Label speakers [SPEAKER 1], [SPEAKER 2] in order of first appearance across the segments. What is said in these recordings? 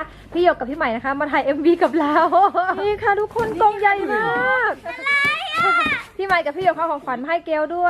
[SPEAKER 1] พี่หยกกับพี่ใหม่นะคะมาถ่าย MV กับเรา นี่ค่ะทุกคนกองใหญ่มากพี่ใหม่กับพี่หยกเขาของขวัญมาให้เกลด้วย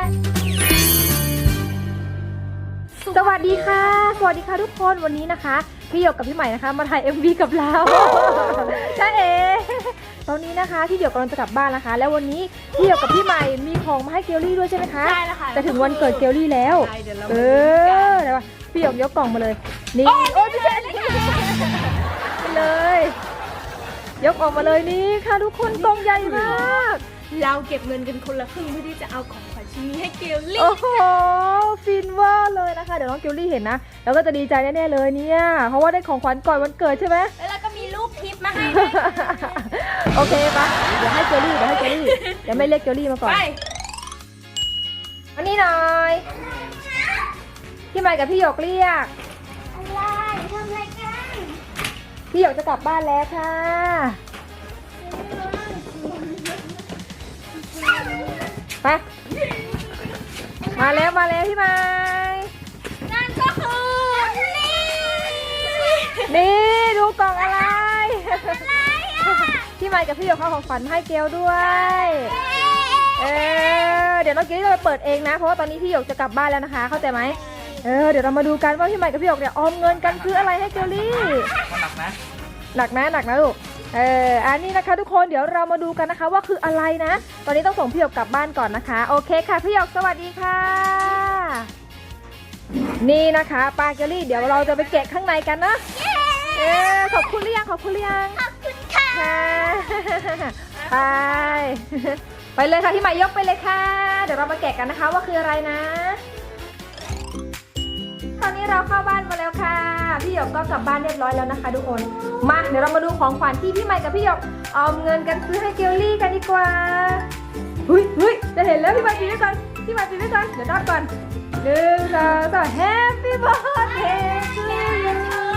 [SPEAKER 1] สวัสดีค่ะสวัสดีค่ะทุกคนวันนี้นะคะพี่หยกกับพี่ใหม่นะคะมาถ่าย MV กับเราใช่เองตอนนี้นะคะพี่หยกกำลังจะกลับบ้านนะคะแล้ววันนี้พี่หยกกับพี่ใหม่มีของมาให้เกลลี่ด้วยใช่ไหมคะ
[SPEAKER 2] ใช่แล้วค่ะ
[SPEAKER 1] จะถึงวันเกิดเกลลี่แล้วเดี๋ยวว่าพี่หยกยกกล่องมาเลยนี่โอ้ยไม่ใช่ไปเลยยกออกมาเลยนี่ค่ะทุกคนกล่องใหญ่มาก
[SPEAKER 2] เราเก็บเงินกันคนละครึ่งเพื่อที่จะเอาของขวัญชิ้นนี้ให้เกลลี่
[SPEAKER 1] โอ้โหฟินว่าเลยนะคะเดี๋ยวน้องเกลลี่เห็นนะแล้วก็จะดีใจแน่ๆเลยเนี่ยเพราะว่าได้ของขวัญก่อนวันเกิดใช่ไหม
[SPEAKER 2] แล้วเราก็มีรูปทิปมาให้ด้วย
[SPEAKER 1] โอเคปะเดี๋ยวให้เกลลี่เดี๋ยวไม่เรียกเกลลี่มาก่อน
[SPEAKER 2] ไป
[SPEAKER 1] อันนี้หน่อยพี่ใหม่กับพี่หยกเรียก
[SPEAKER 3] อะไรทำอะไรกัน
[SPEAKER 1] พี่หยกจะกลับบ้านแล้วค่ะไปมาแล้วพี่ใหม่
[SPEAKER 2] นั่นก็คือ
[SPEAKER 1] นี่ดูกล่องอะไรพี่ใหม่กับพี่หยกเขาของขวัญมาให้เกลด้วยเดี๋ยวน้องเกลลี่จะไปเปิดเองนะเพราะว่าตอนนี้พี่หยกจะกลับบ้านแล้วนะคะเข้าใจไหมเดี๋ยวเรามาดูกันว่าพี่ใหม่กับพี่หยกเนี่ยออมเงินกันซื้ออะไรให้เกลลี่หนักนะลูกอันนี้นะคะทุกคนเดี๋ยวเรามาดูกันนะคะว่าคืออะไรนะตอนนี้ต้องส่งพี่หยกกลับบ้านก่อนนะคะโอเคค่ะพี่หยกสวัสดีค่ะนี่นะคะปลาเกลลี่เดี๋ยวเราจะไปแกะข้างในกันนะขอบคุณหรือยัง
[SPEAKER 3] ขอบคุณค่ะ
[SPEAKER 1] ไปเลยค่ะพี่ใหม่ยกไปเลยค่ะเดี๋ยวเรามาแกะกันนะคะว่าคืออะไรนะตอนนี้เราเข้าบ้านมาแล้วค่ะพี่หยกก็กลับบ้านเรียบร้อยแล้วนะคะทุกคนมาเดี๋ยวเรามาดูของขวัญที่พี่ใหม่กับพี่หยกออมเงินกันซื้อให้เกลลี่กันดีกว่าเฮ้ยจะเห็นแล้วพี่ใหม่ปีนไว้ก่อนเดี๋ยวนอนก่อน1 2 3 Happy birthday to you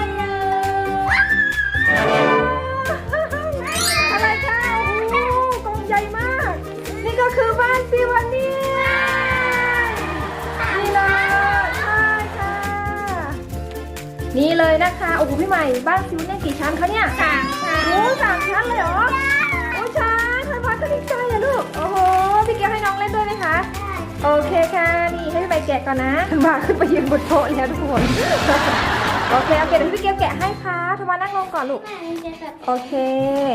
[SPEAKER 1] อะไรคะโอ้โหกล่องใหญ่มากนี่ก็คือบ้านซิวาเนียนี่เลยใช่ค่ะนี่เลยนะคะโอ้โหพี่ใหม่บ้านซิวาเนียกี่ชั้นคะเนี่ย3 ชั้นโอ้3 ชั้นเลยเหรอโอ้ชั้นทำไมก็ดีใจอะลูกโอ้โหพี่เกียวให้น้องเล่นด้วยไหมคะโอเคค่ะนี่ให้พี่ใหม่แกะก่อนนะมาขึ้นไปยืนบนโต๊ะแล้วทุกคนโอเคเดี๋ยวพี่เกียวแกะให้ค่ะทำไมนั่งลงก่อนลูกโอเค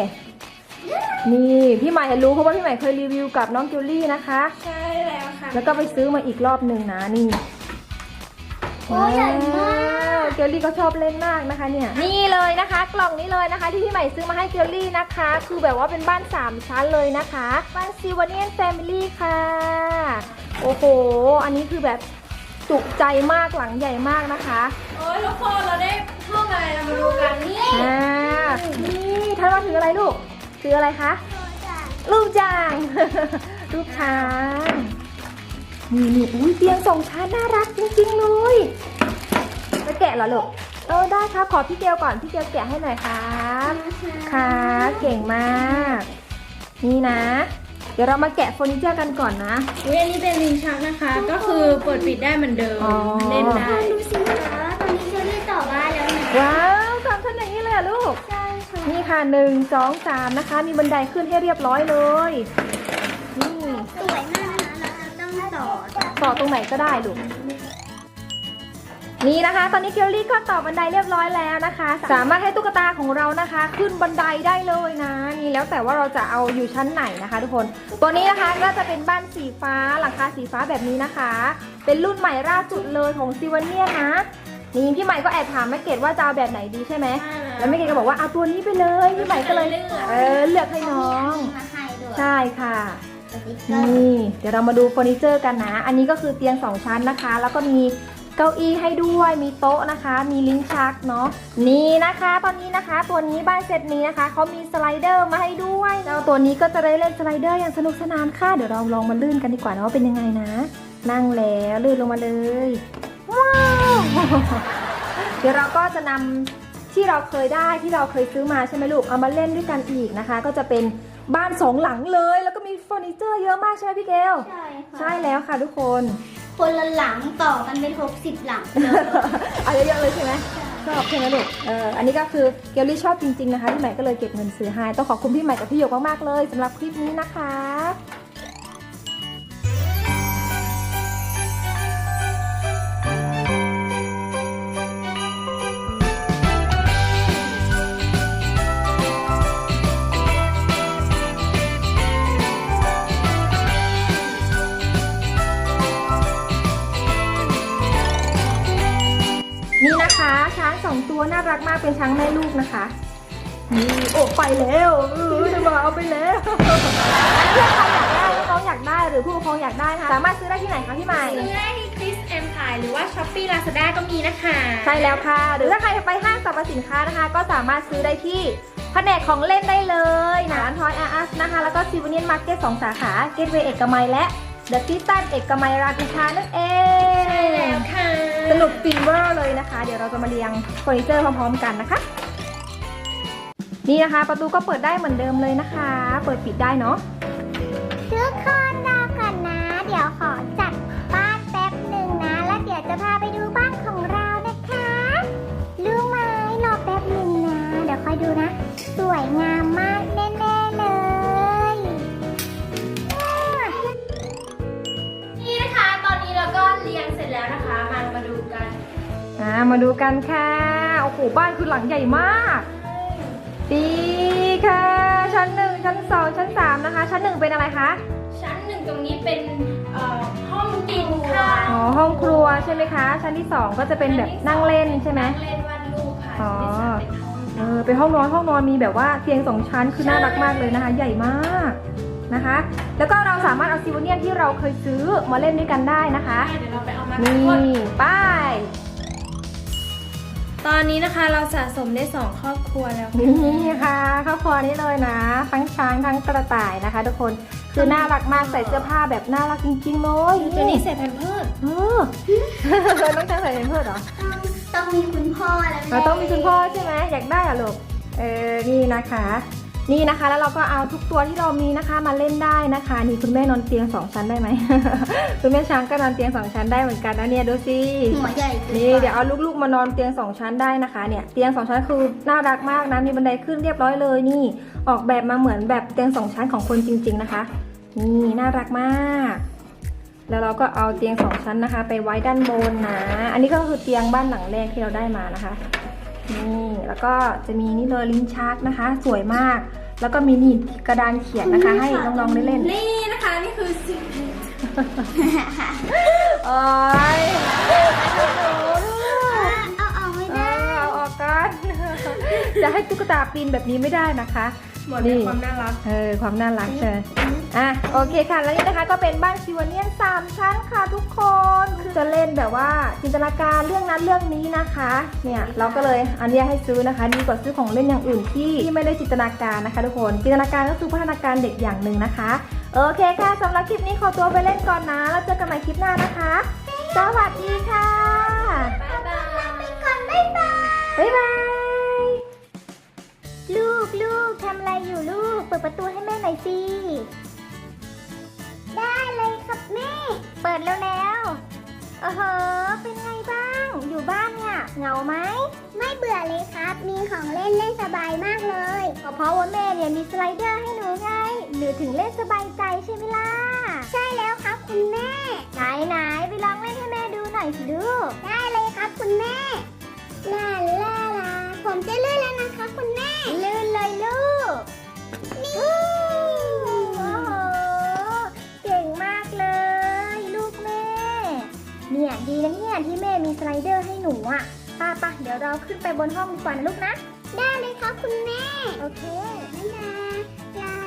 [SPEAKER 1] นี่พี่ใหม่รู้เพราะว่าพี่ใหม่เคยรีวิวกับน้องเกลลี่นะคะ
[SPEAKER 2] ใช่แล้วค่ะ
[SPEAKER 1] แล้วก็ไปซื้อมาอีกรอบหนึ่งนะนี่
[SPEAKER 3] โอ้ใหญ่มาก
[SPEAKER 1] เกลลี่ก็ชอบเล่นมากนะคะเนี่ยนี่เลยนะคะกล่องนี้เลยนะคะที่พี่ใหม่ซื้อมาให้เกลลี่นะคะคือแบบว่าเป็นบ้าน3 ชั้นเลยนะคะบ้านซิวาเนียนแฟมิลี่ค่ะโอ้โหอันนี้คือแบบจุใจมากหลังใหญ่มากนะคะ
[SPEAKER 2] โอ้ยทุกคนเราได้ห้องอะไรเรามาดูกันนี่
[SPEAKER 1] นี่ท่านว่าถืออะไรลูกถืออะไรคะลูกจาง ลูกช้างนี่อุ้ยเตียง2 ชั้นน่ารักจริงๆเลยจะแกะเหรอลูกได้ครับขอพี่เกลก่อนพี่เกลแกะให้หน่อยครับค่ะเก่งมากนี่นะเดี๋ยวเรามาแกะเฟอร์นิเจอร์กันก่อนนะ
[SPEAKER 2] อันนี้เป็นลิ้นชักนะคะก็คือเปิดปิดได้เหมือนเดิมเล่นได้
[SPEAKER 3] ดูสิคะตอนนี้เชอรี่ต่อบ้านแล้วนะ
[SPEAKER 1] ว้าว3 ชั้นอย่างนี้เลยเหรอลูก
[SPEAKER 3] ใช่ค่ะ
[SPEAKER 1] นี่ค่ะ1 2 3นะคะมีบันไดขึ้นให้เรียบร้อยเลยนี่
[SPEAKER 3] สวยมากนะคะเราจะต้องต่อ
[SPEAKER 1] ต่อตรงไหนก็ได้ลูกนี่นะคะ ตอนนี้เกลลี่ก็ต่อบันไดเรียบร้อยแล้วนะคะ สามารถให้ตุ๊กตาของเรานะคะ ขึ้นบันไดได้เลยนะนี่แล้วแต่ว่าเราจะเอาอยู่ชั้นไหนนะคะทุกคนตัวนี้นะคะก็จะเป็นบ้านสีฟ้าหลังคาสีฟ้าแบบนี้นะคะ เป็นรุ่นใหม่ล่าสุดเลยของซิวาเนียนะนี่พี่ใหม่ก็แอบถามแม่เกดว่าจะเอาแบบไหนดีใช่ไหมแล้วแม่เกดก็บอกว่าเอาตัวนี้ไปเลยพี่ใหม่ก็เลยเลือกให้น้อง
[SPEAKER 3] มาให้ด้วย
[SPEAKER 1] ใช่ค่ะ
[SPEAKER 3] สติ๊กเกอร์
[SPEAKER 1] นี่เดี๋ยวเรามาดูเฟอร์นิเจอร์กันนะอันนี้ก็คือเตียง2 ชั้นนะคะแล้วก็มีเก้าอี้ให้ด้วยมีโต๊ะนะคะมีลิ้นชักเนาะนี่นะคะตอนนี้นะคะตัวนี้บ้านเซตนี้นะคะเขามีสไลเดอร์มาให้ด้วยแล้วตัวนี้ก็จะได้เล่นสไลเดอร์อย่างสนุกสนานค่ะเดี๋ยวเราลองมาลื่นกันดีกว่านะว่าเป็นยังไงนะนั่งแล้วลื่นลงมาเลยว้าวเดี๋ยวเราก็จะนำที่เราเคยได้ที่เราเคยซื้อมาใช่ไหมลูกเอามาเล่นด้วยกันอีกนะคะก็จะเป็นบ้าน2 หลังเลยแล้วก็มีเฟอร์นิเจอร์เยอะมากใช่ไหมพี่เกล
[SPEAKER 3] ใช่ค่ะ
[SPEAKER 1] ใช่แล้วค่ะทุกคน
[SPEAKER 3] คนละหลังต่อกันเป็น60 หลังเลย
[SPEAKER 1] เอาเยอะๆเลยใช่ไหม
[SPEAKER 3] ใช่
[SPEAKER 1] ชอบใช่ไหมลูกอันนี้ก็คือเกลลี่ชอบจริงๆนะคะพี่ใหม่ก็เลยเก็บเงินซื้อให้ต้องขอบคุณพี่ใหม่กับพี่หยกมากๆเลยสำหรับคลิปนี้นะคะนี่นะคะช้าง2ตัวน่ารักมากเป็นช้างแม่ลูกนะคะนี่โอ้ไปแล้วจะมาเอาไปแล้วเพื่อนๆใครอยากได้น้องอยากได้หรือผู้ปกครองอยากได้ค่ะสามารถซื้อได้ที่ไหนคะพี่ใหม่
[SPEAKER 2] ซื้อได้ที่คริสแอมพายหรือว่าช้อปปี้ลาซาด้าก็มีนะคะ
[SPEAKER 1] ใช่แล้วค่ะหรือถ้าใครไปห้างสรรพสินค้านะคะ ก็สามารถซื้อได้ที่แผนกของเล่นได้เลยนะทอยอาร์สนะคะแล้วก็ซิวเนียนมาร์เก็ต2สาขาเกตเวย์เอกมัยและเดอะคริสตันเอกมัยรามอินทรานั่นเอง
[SPEAKER 2] ใช่แล้วค่ะ
[SPEAKER 1] สนุกฟีเวอร์เลยนะคะ เดี๋ยวเราจะมาเรียงเฟอร์นิเจอร์พร้อมๆกันนะคะนี่นะคะประตูก็เปิดได้เหมือนเดิมเลยนะคะ เปิดปิดได้เนาะ
[SPEAKER 3] ทุกคนรอก่อนนะ เดี๋ยวขอจัดบ้านแป๊บหนึ่งนะ แล้วเดี๋ยวจะพาไปดูบ้านของเรานะคะรู้ไหมรอแป๊บหนึ่งนะ เดี๋ยวคอยดูนะ สวยงามมากแน่ๆเลย
[SPEAKER 2] นี่นะคะตอนนี้เราก็เรียงเสร็จแล้วนะคะมาดูกัน
[SPEAKER 1] มาดูกันค่ะโอ้โหบ้านคือหลังใหญ่มากดีค่ะชั้น1ชั้น2ชั้น3นะคะชั้น1เป็นอะไรคะ
[SPEAKER 2] ชั้น1ตรงนี้เป็นห้องกินค่ะ
[SPEAKER 1] อ๋อห้องครัวใช่ไหมคะชั้นที่2ก็จะเป็นแบบนั่งเล่นใช่ไหม
[SPEAKER 2] นั่งเล่นวาดรูปค่ะ
[SPEAKER 1] อ๋อ
[SPEAKER 2] ชั้นที่สามเป็นห้อง
[SPEAKER 1] เป็นห้องนอนมีแบบว่าเตียง2ชั้นคือน่ารักมากเลยนะคะ ใหญ่มากนะคะ แล้วก็เราสามารถเอาซิวเนียนที่เราเคยซื้อมาเล่นด้วยกันได้นะคะ
[SPEAKER 2] เดี๋ยวเราไปเอามา
[SPEAKER 1] นี่ป้าย
[SPEAKER 2] ตอนนี้นะคะเราสะสมได้2ครอบครัวแล้วค่ะ
[SPEAKER 1] นี่ค่ะครอบครัวนี้เลยนะทั้งช้างทั้งกระต่ายนะคะ ทุกคนคือน่ารักมากใส่เสื้อผ้าแบบน่ารักจริงๆเลย
[SPEAKER 2] ตัวนี้ใส่แพมเพิร์ส
[SPEAKER 1] น้องช้างใส่เป็นเพื่อนเหรอ
[SPEAKER 3] ต้องมีคุณพ่อแล้ว
[SPEAKER 1] เราต้องมีคุณพ่อใช่ไหมอยากได้อะลูกนี่นะคะนี่นะคะแล้วเราก็เอาทุกตัวที่เรามีนะคะมาเล่นได้นะคะนี่คุณแม่นอนเตียง2ชั้นได้ไหม คุณแม่ช้างก็นอนเตียง2ชั้นได้เหมือนกันนะเนี่ยดูสิ
[SPEAKER 3] หัวใหญ่
[SPEAKER 1] นี่เดี๋ยวเอาลูกๆมานอนเตียง2ชั้นได้นะคะเนี่ยเตียง2ชั้นคือน่ารักมากนะมีบันไดขึ้นเรียบร้อยเลยนี่ออกแบบมาเหมือนแบบเตียง2ชั้นของคนจริงๆนะคะนี่น่ารักมากแล้วเราก็เอาเตียง2ชั้นนะคะ ไปไว้ด้านบนนะอันนี้ก็คือเตียงบ้านหลังแรกที่เราได้มานะคะนี่แล้วก็จะมีนี่เลยลิ้นชักนะคะ สวยมากแล้วก็มีนี่กระดานเขียนนะคะ ให้น้องๆได้เล่น
[SPEAKER 2] นี่นะคะนี่คือสิ่ง
[SPEAKER 1] โอ้ย
[SPEAKER 3] เอาออกไม่ได้
[SPEAKER 1] เอาออกกัน จะให้ตุ๊กตาปีนแบบนี้ไม่ได้นะคะ
[SPEAKER 2] หมดในความน่ารัก
[SPEAKER 1] ความน่ารักใช่ไหมโอเคค่ะแล้วนี่นะคะก็เป็นบ้านซิวเนียน3ชั้นค่ะทุกคนคือจะเล่นแบบว่าจินตนาการเรื่องนั้นเรื่องนี้นะคะเนี่ยเราก็เลยอันนี้ให้ซื้อนะคะดีกว่าซื้อของเล่นอย่างอื่นที่ไม่ได้จินตนาการนะคะทุกคนจินตนาการก็คือพัฒนาการเด็กอย่างหนึ่งนะคะโอเคค่ะสำหรับคลิปนี้ขอตัวไปเล่นก่อนนะแล้วเจอกันใหม่คลิปหน้านะคะสวัสดีค่ะ
[SPEAKER 2] บ๊ายบาย
[SPEAKER 3] ไปก่อนบ๊ายบาย
[SPEAKER 1] บ๊ายบาย
[SPEAKER 3] ลูกทำอะไรอยู่ลูก เปิดประตูให้แม่หน่อยสิ ได้เลยครับแม่ เปิดแล้วเป็นไงบ้าง อยู่บ้านเนี่ยเหงาไหม ไม่เบื่อเลยครับ มีของเล่นสบายมากเลยก็เพราะว่าแม่เนี่ยมีสไลเดอร์ให้หนูไงหนูถึงเล่นสบายใจใช่ไหมล่ะ ใช่แล้วครับคุณแม่ ไหนไปลองเล่นให้แม่ดูหน่อยสิลูก ได้เลยครับคุณแม่ ลาผมจะลื่นแล้วนะคะคุณแม่ ลื่นเลยลูก นี่โอ้โหเก่งมากเลย ลูกแม่ เนี่ยดีนะเนี่ยที่แม่มีสไลเดอร์ให้หนูอ่ะป้าเดี๋ยวเราขึ้นไปบนห้องดีกว่านะลูกนะ ได้เลยครับคุณแม่ โอเคลา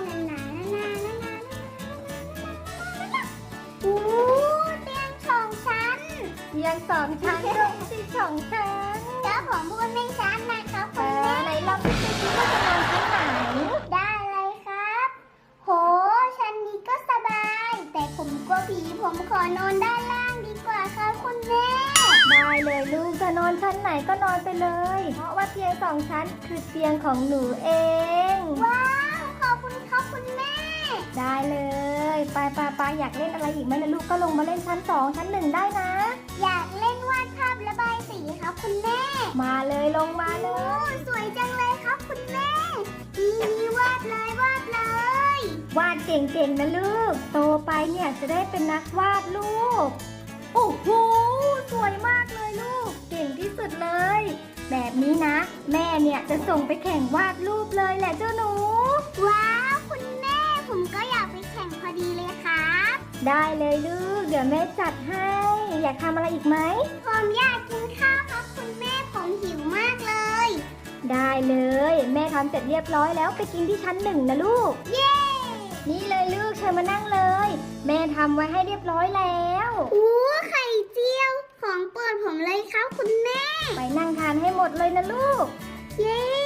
[SPEAKER 3] โอ้เตียง2 ชั้น
[SPEAKER 1] เตียง2 ชั้นลงที่2 ชั้น
[SPEAKER 3] แล้วผมพูดไม่ชัดนะครับคุณแม่
[SPEAKER 1] ไหนลองดูสิว่าจะนอนชั้นไหน
[SPEAKER 3] ได้เลยครับ โห ชั้นนี้ก็สบาย แต่ผมกลัวผี ผมขอนอนด้านล่างดีกว่าครับคุณแม่
[SPEAKER 1] ได้เลยลูกจะนอนชั้นไหนก็นอนไปเลย เพราะว่าเตียง2 ชั้นคือเตียงของหนูเอง
[SPEAKER 3] ว้าว ขอบคุณครับคุณแม่
[SPEAKER 1] ได้เลยไปอยากเล่นอะไรอีกไหมนะลูกก็ลงมาเล่นชั้น2 ชั้น1ได้นะ
[SPEAKER 3] อยากเล่นวาดภาพระบายสีครับคุณแม่
[SPEAKER 1] มาเลยลงมาเล
[SPEAKER 3] โอ้
[SPEAKER 1] ย
[SPEAKER 3] สวยจังเลยครับคุณแม่นี่วาดเลยวาดเลย
[SPEAKER 1] วาดเก่งๆนะลูก โตไปเนี่ยจะได้เป็นนักวาดรูป โอ้โห สวยมากเลยลูก เก่งที่สุดเลย แบบนี้นะ แม่เนี่ยจะส่งไปแข่งวาดรูปเลยแหละเจ้าหนู
[SPEAKER 3] ว้าวคุณแม่ผมก็อยากไปแข่งพอดีเลยครับ
[SPEAKER 1] ได้เลยลูก เดี๋ยวแม่จัดให้ อยากทำอะไรอีกไหม
[SPEAKER 3] ผมอยากกินข้าวครับคุณแม่ผมหิวมากเลย
[SPEAKER 1] ได้เลย แม่ทำเสร็จเรียบร้อยแล้วไปกินที่ชั้น 1นะลูก
[SPEAKER 3] เย้
[SPEAKER 1] นี่เลยลูกเชิญมานั่งเลย แม่ทำไว้ให้เรียบร้อยแล้ว
[SPEAKER 3] อู้ไข่เจียวของโปรดผมเลยครับคุณแม่
[SPEAKER 1] ไปนั่งทานให้หมดเลยนะลูก
[SPEAKER 3] เย้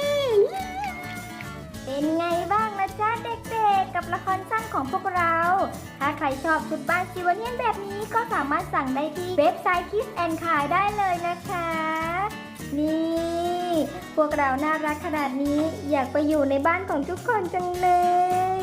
[SPEAKER 1] เป็นไงบ้างนะจ๊ะเด็กๆกับละครสั้นของพวกเรา ถ้าใครชอบชุดบ้านซิวเนียนแบบนี้ก็สามารถสั่งได้ที่เว็บไซต์ Kiss and ขายได้เลยนะคะ นี่ พวกเราน่ารักขนาดนี้อยากไปอยู่ในบ้านของทุกคนจังเลย